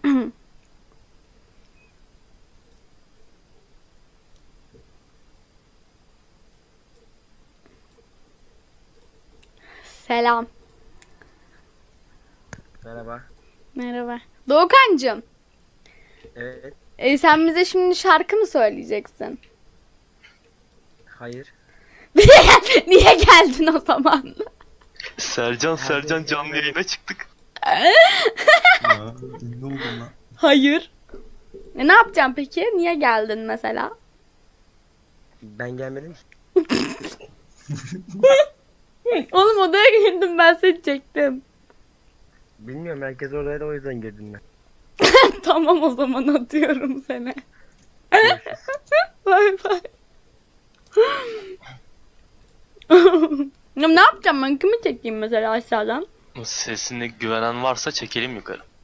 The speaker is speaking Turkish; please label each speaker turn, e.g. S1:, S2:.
S1: Selam.
S2: Merhaba.
S1: Merhaba. Doğukancığım.
S2: Evet.
S1: Sen bize şimdi şarkı mı söyleyeceksin?
S2: Hayır.
S1: Niye geldin o zaman?
S3: Sercan canlı yayına çıktık.
S4: Ya ünlü oldum lan.
S1: Hayır. Ne yapacağım peki? Niye geldin mesela?
S2: Ben gelmedim ki.
S1: Oğlum odaya girdim, ben seni çektim.
S2: Bilmiyorum, herkes oradaydı, o yüzden girdim ben.
S1: Tamam, o zaman atıyorum seni.
S2: Görüşürüz.
S1: Bay bay. Ya ne yapacağım ben? Kimi çekeyim mesela aşağıdan?
S3: Sesine güvenen varsa çekelim yukarı.